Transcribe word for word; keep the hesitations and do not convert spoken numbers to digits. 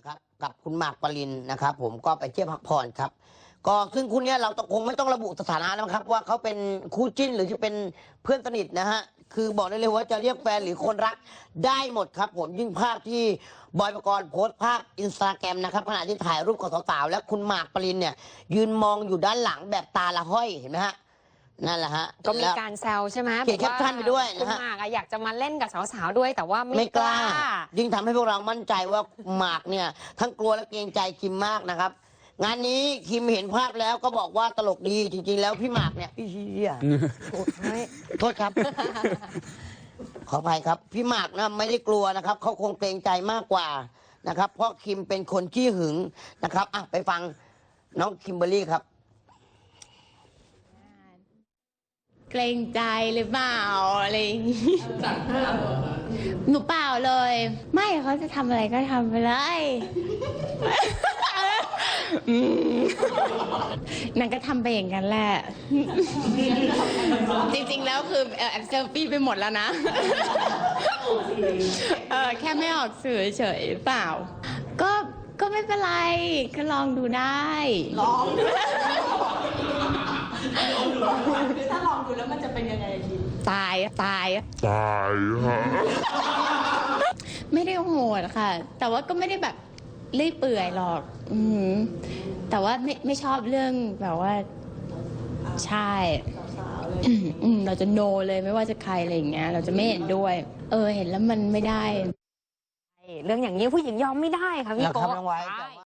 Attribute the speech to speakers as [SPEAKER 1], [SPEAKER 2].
[SPEAKER 1] ครับกับคุณหมากปรินนะครับผมก็ไปเที่ยวพักผ่อนครับก็ซึ่งคุณเนี้ยเราคงไม่ต้องระบุสถานะแล้วครับว่าเขาเป็นคู่จิ้นหรือจะเป็นเพื่อนสนิทนะฮะคือบอกได้เลยว่าจะเรียกแฟนหรือคนรักได้หมดครับผมยิ่งภาพที่บอยปกรณ์โพสต์ภาพอินสตาแกรมนะครับขณะที่ถ่ายรูปกับสาวๆและคุณหมากปรินเนี่ยยืนมองอยู่ด้านหลังแบบตาละห้อยเห็นไหมฮะนั่นแหละฮะ
[SPEAKER 2] ก็มีการแซวใช่ไหม
[SPEAKER 1] เขียนแคปชั่นไปด้วยนะฮะ
[SPEAKER 2] คุณหมากอยากจะมาเล่นกับสาวๆด้วยแต่ว่าไม่
[SPEAKER 1] ไม่กล้า
[SPEAKER 2] กล้า
[SPEAKER 1] ยิ่งทำให้พวกเรามั่นใจว่าหมากเนี่ยทั้งกลัวและเกรงใจคิมมากนะครับงานนี้คิมเห็นภาพแล้วก็บอกว่าตลกดีจริงๆแล้วพี่หมากเนี่ยพี่เชียโทษครับ ขออภัยครับพี่หมากนะไม่ได้กลัวนะครับเขาคงเกรงใจมากกว่านะครับเพราะคิมเป็นคนขี้หึงนะครับอ่ะไปฟังน้องคิมเบอร์รี่ครับ
[SPEAKER 3] เกรงใจหรือเปล่าอะไรอย่างงี้หนูเปล่าเลย ไม่เขาจะทำอะไรก็ทำไปเลยนางก็ทำไปอย่างนั้นแหละจริงๆแล้วคือแอบเซลฟี่ไปหมดแล้วนะเออแค่ไม่ออกสื่อเฉยเปล่าก็ก็ไม่เป็นไรก็ลองดูได้ลอง
[SPEAKER 4] ถ้าลองดูแล้วมันจะเป็นยังไงคิม
[SPEAKER 3] ตายตาย
[SPEAKER 5] ตายฮะ
[SPEAKER 3] ไม่ได้โหดค่ะ แต่ว่าก็ไม่ได้แบบเลื่อยเปื่อยหรอกอืมแต่ว่าไม่ไม่ชอบเรื่องแบบว่าใช่อืมเราจะโนเลยไม่ว่าจะใครอะไรอย่างเงี้ยเราจะไม่เห็นด้วยเออเห็นแล้วมันไม่ได้
[SPEAKER 2] เรื่องอย่างนี้ผู้หญิงยอมไม่ได้ค่ะพี่โก้